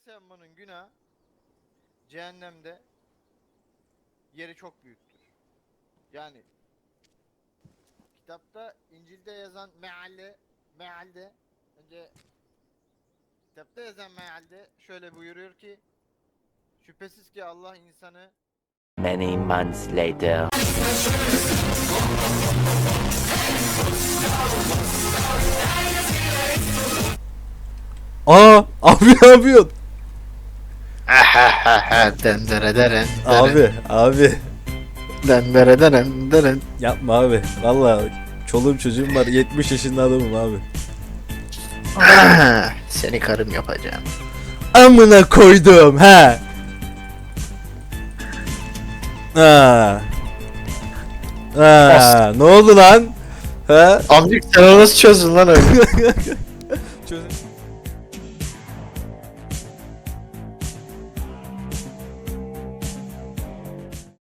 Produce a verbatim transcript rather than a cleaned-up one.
saymanın günah cehennemde yeri çok büyüktür. Yani kitapta İncil'de yazan mealle mealde önce kitapta yazan mealde şöyle buyuruyor ki şüphesiz ki Allah insanı Many months later. Aa abi ne yapıyorsun? Dendere deren. Abi abi Dendere deren deren. yapma abi. Vallahi çoluğum çocuğum var, yetmiş yaşında adamım abi. Seni karım yapacağım. Amına koydum ha. Ha. Ha, ne oldu lan? Ha? Amcık sen o nasıl çözdün lan öyle? Çözüm.